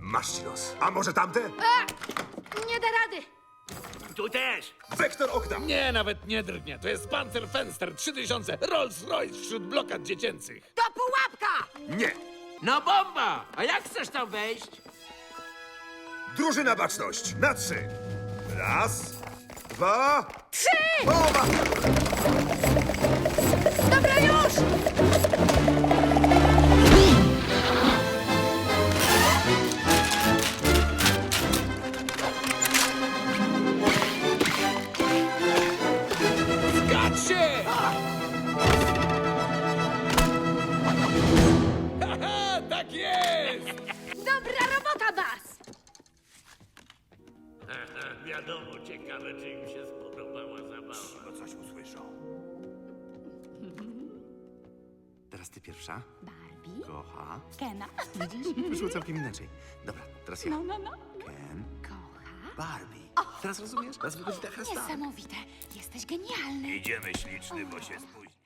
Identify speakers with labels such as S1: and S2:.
S1: Masz ci los. A może tamte?
S2: Nie da rady.
S3: Tu też.
S1: Wektor okna.
S4: Nie, nawet nie drgnie. To jest Panzer Fenster 3000, Rolls-Royce wśród blokad dziecięcych.
S2: To pułapka!
S1: Nie.
S3: No bomba! A jak chcesz tam wejść?
S1: Drużyna baczność. Na 3. Raz, 2,
S2: 3!
S1: bomba!
S2: Dobra, już!
S4: Zgadź się! Haha, tak jest!
S2: Dobra robota, Bas!
S3: Wiadomo, ciekawe, czy im się spodobała zabawa.
S1: No coś usłyszą.
S5: Teraz ty pierwsza.
S6: Barbie?
S5: Kocha.
S6: Kena?
S5: Widzisz? Wyszło całkiem inaczej. Dobra, teraz ja.
S6: No.
S5: Ken.
S6: Kocha?
S5: Barbie. Teraz rozumiesz? Teraz wychodzi ta chrasta.
S6: Niesamowite. Jesteś genialny.
S1: Idziemy śliczny, bo się spóźni.